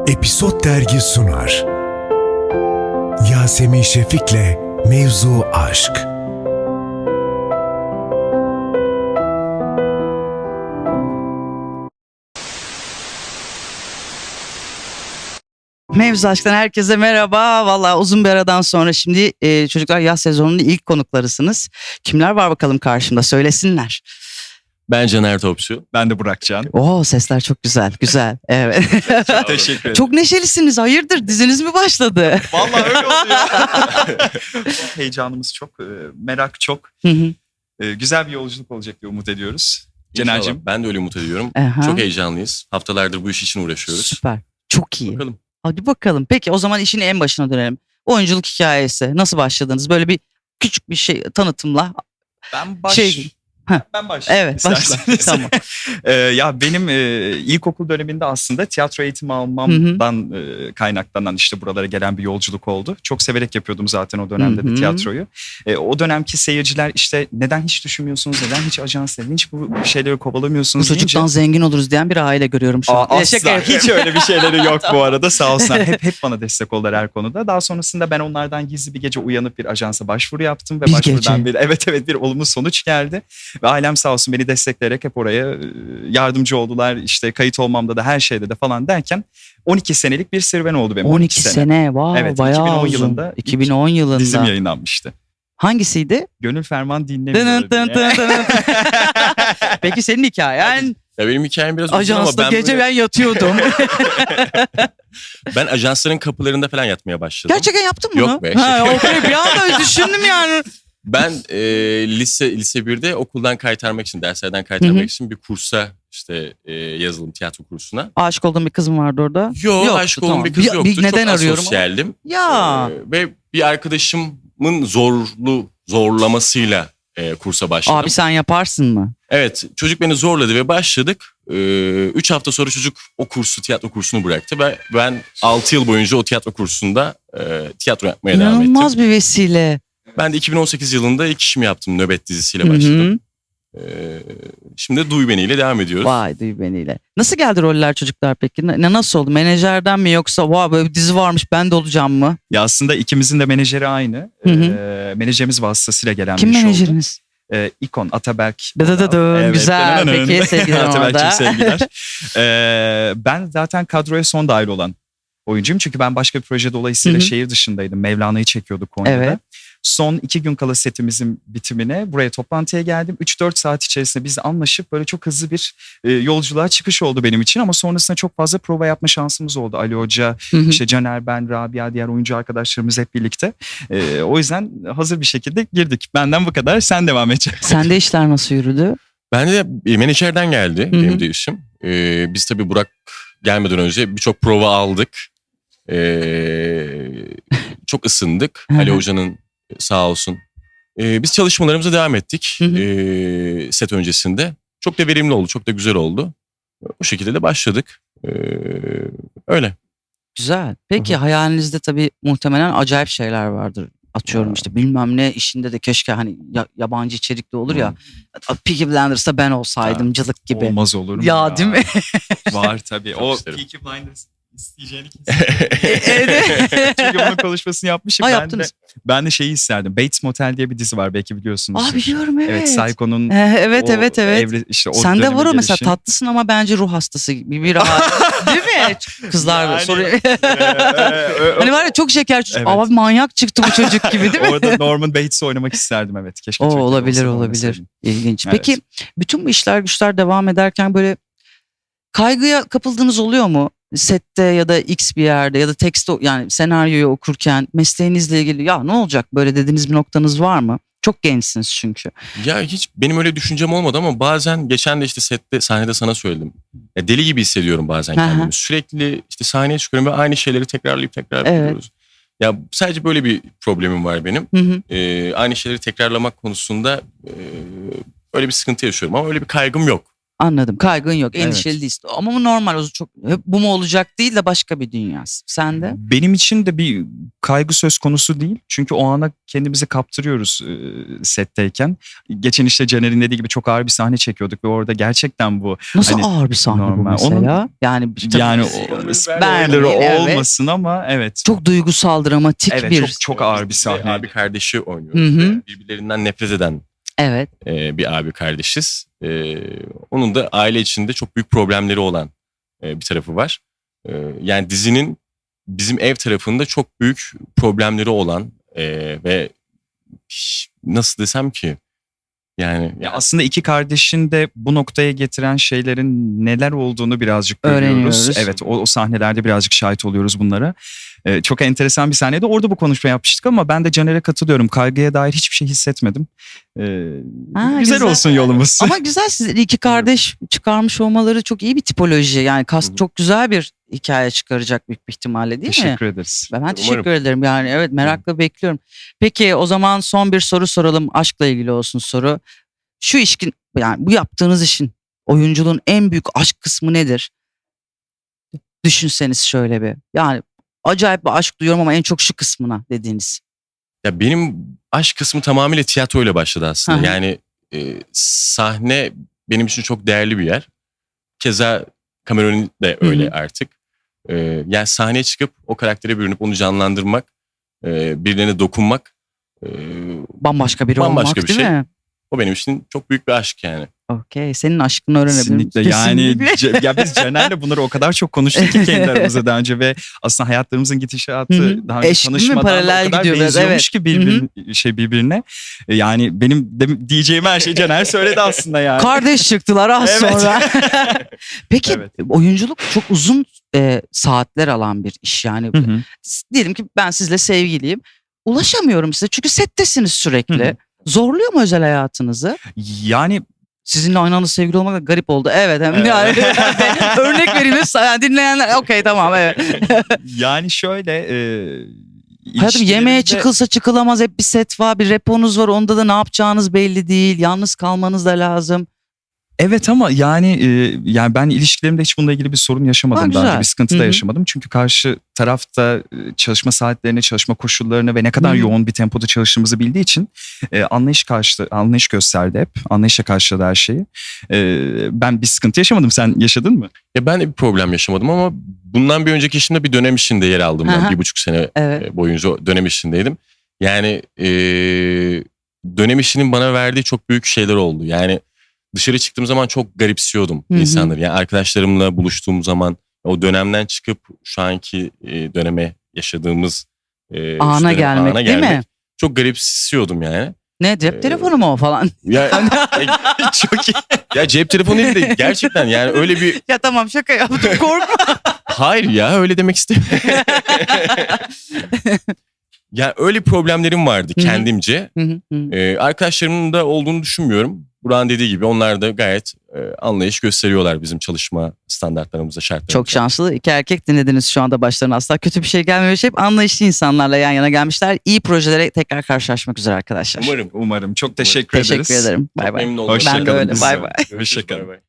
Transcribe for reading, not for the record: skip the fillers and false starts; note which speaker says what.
Speaker 1: Episod Dergi sunar. Yasemin Şefik'le Mevzu Aşk.
Speaker 2: Mevzu Aşk'tan herkese merhaba. Vallahi uzun bir aradan sonra şimdi çocuklar yaz sezonunun ilk konuklarısınız. Kimler var bakalım karşımda, söylesinler.
Speaker 3: Ben Caner Topçu.
Speaker 4: Ben de Burakcan.
Speaker 2: Oo, sesler çok güzel, güzel. Evet.
Speaker 4: Teşekkür ederim.
Speaker 2: Çok neşelisiniz. Hayırdır, diziniz mi başladı?
Speaker 4: Vallahi öyle oluyor. Heyecanımız çok, merak çok.
Speaker 2: Hı hı.
Speaker 4: Güzel bir yolculuk olacak diye umut ediyoruz.
Speaker 3: İnşallah.
Speaker 4: Cener'cim.
Speaker 3: Ben de öyle umut ediyorum.
Speaker 2: Aha.
Speaker 3: Çok heyecanlıyız. Haftalardır bu iş için uğraşıyoruz.
Speaker 2: Süper. Çok iyi.
Speaker 3: Bakalım.
Speaker 2: Hadi bakalım. Peki o zaman işin en başına dönelim. Oyunculuk hikayesi. Nasıl başladınız? Böyle bir küçük bir şey tanıtımla.
Speaker 4: Ben Ben başlayayım.
Speaker 2: Evet, başla.
Speaker 4: isterseniz.
Speaker 2: Tamam.
Speaker 4: Ya benim ilkokul döneminde aslında tiyatro eğitimi almamdan kaynaklanan işte buralara gelen bir yolculuk oldu. Çok severek yapıyordum zaten o dönemde de tiyatroyu. O dönemki seyirciler işte neden hiç düşünmüyorsunuz, neden hiç ajans, neden hiç bu şeyleri
Speaker 2: Bu
Speaker 4: kovalamıyorsunuz
Speaker 2: çocuktan
Speaker 4: deyince.
Speaker 2: zengin oluruz diyen bir aile görüyorum şu an.
Speaker 4: Asla
Speaker 2: Şaka yapıyorum.
Speaker 4: hiç öyle bir şeyleri yok bu arada, sağ olsunlar. Hep bana destek oldular her konuda. Daha sonrasında ben onlardan gizli bir gece uyanıp bir ajansa başvuru yaptım ve
Speaker 2: Bir
Speaker 4: başvurudan
Speaker 2: gece.
Speaker 4: bir olumlu sonuç geldi. Ve ailem sağ olsun beni destekleyerek hep oraya yardımcı oldular. İşte kayıt olmamda da her şeyde de falan derken 12 senelik bir serüven oldu benim.
Speaker 2: 12 sene. Wow,
Speaker 4: Evet,
Speaker 2: bayağı
Speaker 4: 2010
Speaker 2: uzun.
Speaker 4: yılında
Speaker 2: 2010 yılında.
Speaker 4: Dizim yayınlanmıştı.
Speaker 2: Hangisiydi?
Speaker 4: Gönül Ferman
Speaker 2: Dın
Speaker 4: dinlemiyor.
Speaker 2: dın dın dın. Peki senin hikayen?
Speaker 3: Ya benim hikayem biraz uzun ama
Speaker 2: Ajansta gece
Speaker 3: böyle,
Speaker 2: ben yatıyordum.
Speaker 3: ben ajansların kapılarında falan yatmaya başladım.
Speaker 2: Gerçekten yaptın mı bunu?
Speaker 3: Yok be.
Speaker 2: Ha, okey, bir anda düşündüm yani.
Speaker 3: Ben lise 1'de okuldan kaytarmak için, derslerden kaytarmak için bir kursa işte yazılım tiyatro kursuna.
Speaker 2: Aşık olduğum bir kızım vardı orada.
Speaker 3: Yok,
Speaker 2: Yoktu,
Speaker 3: aşık olduğum
Speaker 2: tamam.
Speaker 3: bir kız yoktu.
Speaker 2: Neden
Speaker 3: Çok
Speaker 2: arıyorum?
Speaker 3: asosyaldim.
Speaker 2: Ya.
Speaker 3: Ve bir arkadaşımın zorlamasıyla kursa başladım.
Speaker 2: Abi sen yaparsın mı?
Speaker 3: Evet, çocuk beni zorladı ve başladık. 3 hafta sonra çocuk o kursu, tiyatro kursunu bıraktı ve ben 6 yıl boyunca o tiyatro kursunda tiyatro yapmaya devam ettim.
Speaker 2: İnanılmaz bir vesile.
Speaker 3: Ben de 2018 yılında ilk işimi yaptım, Nöbet dizisiyle
Speaker 2: Hı hı.
Speaker 3: başladım. Şimdi Duy Beni ile devam ediyoruz.
Speaker 2: Vay, duy beniyle. Nasıl geldi roller çocuklar peki? Nasıl oldu? Menajerden mi yoksa vay böyle bir dizi varmış ben de olacağım mı?
Speaker 4: Ya aslında ikimizin de menajeri aynı.
Speaker 2: Hı hı.
Speaker 4: Menajerimiz vasıtasıyla gelen
Speaker 2: Kim
Speaker 4: bir iş oldu.
Speaker 2: menajeriniz?
Speaker 4: İkon Ataberk.
Speaker 2: Güzel. Peki sevgiler
Speaker 4: Ataberk'cim
Speaker 2: orada.
Speaker 4: sevgiler. Ben zaten kadroya son dahil olan oyuncuyum. Çünkü ben başka bir proje dolayısıyla
Speaker 2: Hı hı.
Speaker 4: şehir dışındaydım. Mevlana'yı çekiyorduk Konya'da.
Speaker 2: Evet.
Speaker 4: Son 2 gün kala setimizin bitimine buraya toplantıya geldim. 3-4 saat içerisinde biz anlaşıp böyle çok hızlı bir yolculuğa çıkış oldu benim için. Ama sonrasında çok fazla prova yapma şansımız oldu. Ali Hoca,
Speaker 2: Hı hı.
Speaker 4: işte Caner, ben, Rabia, diğer oyuncu arkadaşlarımız hep birlikte. O yüzden hazır bir şekilde girdik. Benden bu kadar, sen devam edeceksin.
Speaker 2: Sende işler nasıl yürüdü?
Speaker 3: Ben de menajerden geldi
Speaker 2: Hı hı.
Speaker 3: benim de işim. Biz tabii Burak gelmeden önce birçok prova aldık. Çok ısındık.
Speaker 2: Hı hı.
Speaker 3: Ali Hoca'nın sağ olsun. Biz çalışmalarımıza devam ettik
Speaker 2: Hı hı.
Speaker 3: set öncesinde. Çok da verimli oldu, çok da güzel oldu. O şekilde de başladık. Öyle.
Speaker 2: Güzel. Peki hayalinizde tabii muhtemelen acayip şeyler vardır. Atıyorum işte bilmem ne işinde de keşke hani yabancı içerikli olur ya. Peaky Blinders'ta ben olsaydım cılık gibi.
Speaker 4: Olmaz olur mu?
Speaker 2: Ya değil mi?
Speaker 4: Var tabii.
Speaker 3: Çok
Speaker 4: O
Speaker 3: isterim.
Speaker 4: Peaky Blinders isteyeceğini kesin.
Speaker 2: Evet.
Speaker 4: Çünkü bunun konuşmasını yapmışım.
Speaker 2: Ha,
Speaker 4: Ben de,
Speaker 2: yaptınız.
Speaker 4: ben de şeyi isterdim. Bates Motel diye bir dizi var, belki biliyorsunuz.
Speaker 2: Aa, biliyorum, evet.
Speaker 4: Evet, Psycho'nun
Speaker 2: Evet.
Speaker 4: işte o
Speaker 2: Sende
Speaker 4: döneme
Speaker 2: var o mesela,
Speaker 4: gelişi.
Speaker 2: tatlısın ama bence ruh hastası gibi bir rahat. Değil mi? Kızlar
Speaker 4: Yani,
Speaker 2: soruyor. Hani var ya çok şeker çocuk.
Speaker 4: Evet.
Speaker 2: Abi manyak çıktı bu çocuk gibi değil mi?
Speaker 4: Orada Norman Bates'i oynamak isterdim, evet. Keşke
Speaker 2: O
Speaker 4: Türkiye'de
Speaker 2: olabilir
Speaker 4: olsa,
Speaker 2: olabilir.
Speaker 4: oynasaydım.
Speaker 2: İlginç.
Speaker 4: Evet.
Speaker 2: Peki bütün bu işler güçler devam ederken böyle kaygıya kapıldığınız oluyor mu? Sette ya da X bir yerde ya da tekst yani senaryoyu okurken mesleğinizle ilgili ya ne olacak böyle dediğiniz bir noktanız var mı? Çok gençsiniz çünkü.
Speaker 3: Ya hiç benim öyle düşüncem olmadı ama bazen geçen de işte sette, sahnede sana söyledim. Ya deli gibi hissediyorum bazen
Speaker 2: Aha.
Speaker 3: kendimi. Sürekli işte sahneye çıkıyorum ve aynı şeyleri tekrarlayıp
Speaker 2: Evet.
Speaker 3: Ya sadece böyle bir problemim var benim.
Speaker 2: Hı hı.
Speaker 3: Aynı şeyleri tekrarlamak konusunda öyle bir sıkıntı yaşıyorum ama öyle bir kaygım yok.
Speaker 2: Anladım. Kaygın yok.
Speaker 4: Evet.
Speaker 2: Endişeli değilsin. Ama bu normal. O çok hep bu mu olacak değil de başka bir dünya. Sen de?
Speaker 4: Benim için de bir kaygı söz konusu değil. Çünkü o ana kendimizi kaptırıyoruz setteyken. Geçen işte Caner'in dediği gibi çok ağır bir sahne çekiyorduk ve orada gerçekten bu
Speaker 2: Nasıl
Speaker 4: hani
Speaker 2: ağır bir sahne bu
Speaker 4: normal.
Speaker 2: mesela? Yani
Speaker 4: yani
Speaker 2: tabii-
Speaker 4: o spoiler
Speaker 2: evet.
Speaker 4: olmasın ama evet.
Speaker 2: Çok duygusal, dramatik
Speaker 4: evet,
Speaker 2: bir...
Speaker 4: çok ağır bir
Speaker 3: Biz
Speaker 4: sahne.
Speaker 3: Abi kardeşi oynuyoruz.
Speaker 2: Hı hı.
Speaker 3: Ve birbirlerinden nefret eden
Speaker 2: Evet.
Speaker 3: bir abi kardeşiz. Onun da aile içinde çok büyük problemleri olan bir tarafı var. Yani dizinin bizim ev tarafında çok büyük problemleri olan ve nasıl desem ki yani
Speaker 4: Ya aslında iki kardeşin de bu noktaya getiren şeylerin neler olduğunu birazcık görüyoruz.
Speaker 2: Öğreniyoruz.
Speaker 4: Evet, o sahnelerde birazcık şahit oluyoruz bunlara. Çok enteresan bir sahneydi. Orada bu konuşma yapmıştık ama ben de Caner'e katılıyorum. Kaygıya dair hiçbir şey hissetmedim. Güzel olsun yolumuz.
Speaker 2: Ama güzel, siz iki kardeş çıkarmış olmaları çok iyi bir tipoloji. Yani kast çok güzel bir hikaye çıkaracak büyük bir ihtimalle, değil mi?
Speaker 4: Teşekkür ederiz.
Speaker 2: Ben teşekkür ederim. Yani evet, merakla bekliyorum. Peki o zaman son bir soru soralım. Aşkla ilgili olsun soru. Şu işin, yani bu yaptığınız işin, oyunculuğun en büyük aşk kısmı nedir? Düşünseniz şöyle bir. Yani acayip bir aşk duyuyorum ama en çok şu kısmına dediğiniz.
Speaker 3: ya benim aşk kısmı tamamıyla tiyatroyla başladı aslında.
Speaker 2: Hı hı.
Speaker 3: Yani sahne benim için çok değerli bir yer. Keza Cameron'un de öyle
Speaker 2: Hı hı.
Speaker 3: artık. Yani sahneye çıkıp o karaktere bürünüp onu canlandırmak, birilerine dokunmak,
Speaker 2: Bambaşka biri
Speaker 3: Bambaşka
Speaker 2: olmak,
Speaker 3: bir
Speaker 2: değil
Speaker 3: şey.
Speaker 2: mi?
Speaker 3: o benim için çok büyük bir aşk yani.
Speaker 2: Okey. Senin aşkını öğrenebilirim.
Speaker 4: Kesinlikle. Yani
Speaker 2: Kesinlikle.
Speaker 4: ya biz Caner'le bunları o kadar çok konuştuk ki kendi aramızda daha önce ve aslında hayatlarımızın gidişatı
Speaker 2: Hı hı.
Speaker 4: daha önce
Speaker 2: Eşit mi?
Speaker 4: tanışmadan da
Speaker 2: Paralel
Speaker 4: o kadar
Speaker 2: gidiyor biraz,
Speaker 4: benziyormuş
Speaker 2: evet.
Speaker 4: ki birbirine. Yani benim diyeceğim her şeyi Caner söyledi aslında yani.
Speaker 2: Kardeş çıktılar az
Speaker 4: Evet.
Speaker 2: sonra. Peki
Speaker 4: Evet.
Speaker 2: oyunculuk çok uzun saatler alan bir iş yani.
Speaker 4: Hı hı.
Speaker 2: Diyelim ki ben sizle sevgiliyim. Ulaşamıyorum size çünkü settesiniz sürekli.
Speaker 4: Hı hı.
Speaker 2: Zorluyor mu özel hayatınızı?
Speaker 4: Yani
Speaker 2: Sizinle aynı anda sevgili olmak da garip oldu. Evet. Hem
Speaker 4: Evet.
Speaker 2: yani, örnek vereyim. Yani dinleyenler okey tamam evet.
Speaker 4: yani şöyle
Speaker 2: Hayatım, yemeğe
Speaker 4: ilişkilerimde-
Speaker 2: çıkılsa çıkılamaz, hep bir set var, bir reponuz var, onda da ne yapacağınız belli değil. Yalnız kalmanız da lazım.
Speaker 4: Evet ama yani ben ilişkilerimde hiç bununla ilgili bir sorun yaşamadım.
Speaker 2: Ha,
Speaker 4: Daha önce
Speaker 2: güzel.
Speaker 4: bir sıkıntı
Speaker 2: Hı
Speaker 4: da
Speaker 2: hı.
Speaker 4: yaşamadım. Çünkü karşı tarafta çalışma saatlerini, çalışma koşullarını ve ne kadar
Speaker 2: Hı hı.
Speaker 4: yoğun bir tempoda çalıştığımızı bildiği için anlayış gösterdi hep. Anlayışla karşıladı her şeyi. Ben bir sıkıntı yaşamadım. Sen yaşadın mı?
Speaker 3: Ya ben de bir problem yaşamadım ama bundan bir önceki işimde bir dönem işinde yer aldım ben.
Speaker 2: Aha.
Speaker 3: 1,5 sene
Speaker 2: Evet.
Speaker 3: boyunca dönem işindeydim. Yani dönem işinin bana verdiği çok büyük şeyler oldu. Yani dışarı çıktığım zaman çok garipsiyordum
Speaker 2: Hı hı.
Speaker 3: insanları. Yani arkadaşlarımla buluştuğum zaman o dönemden çıkıp şu anki döneme yaşadığımız şu
Speaker 2: Ana
Speaker 3: dönem-
Speaker 2: gelmek, değil mi?
Speaker 3: Çok garipsiyordum yani.
Speaker 2: Ne, cep telefonu mu o falan?
Speaker 3: Ya çok iyi. Ya cep telefonu değil de gerçekten yani öyle bir
Speaker 2: Ya tamam, şaka yaptım, korkma.
Speaker 3: hayır ya öyle demek istemiyorum. Ya öyle problemlerim vardı
Speaker 2: Hı hı.
Speaker 3: kendimce.
Speaker 2: Hı hı, hı.
Speaker 3: Arkadaşlarımın da olduğunu düşünmüyorum. Burak'ın dediği gibi onlar da gayet anlayış gösteriyorlar bizim çalışma standartlarımıza, şartlarımıza.
Speaker 2: Çok şanslı iki erkek dinlediniz şu anda, başlarına asla kötü bir şey gelmemiş. Hep anlayışlı insanlarla yan yana gelmişler. İyi projelere tekrar karşılaşmak üzere arkadaşlar.
Speaker 3: Umarım.
Speaker 4: Umarım. Çok teşekkür ederiz.
Speaker 2: Teşekkür ederim. Bay
Speaker 3: Çok
Speaker 2: bay.
Speaker 3: memnun oldum.
Speaker 4: Hoşça
Speaker 2: Ben de
Speaker 4: kalın.
Speaker 2: öyle. Bay bay.
Speaker 3: Görüşürüz. Bay bay.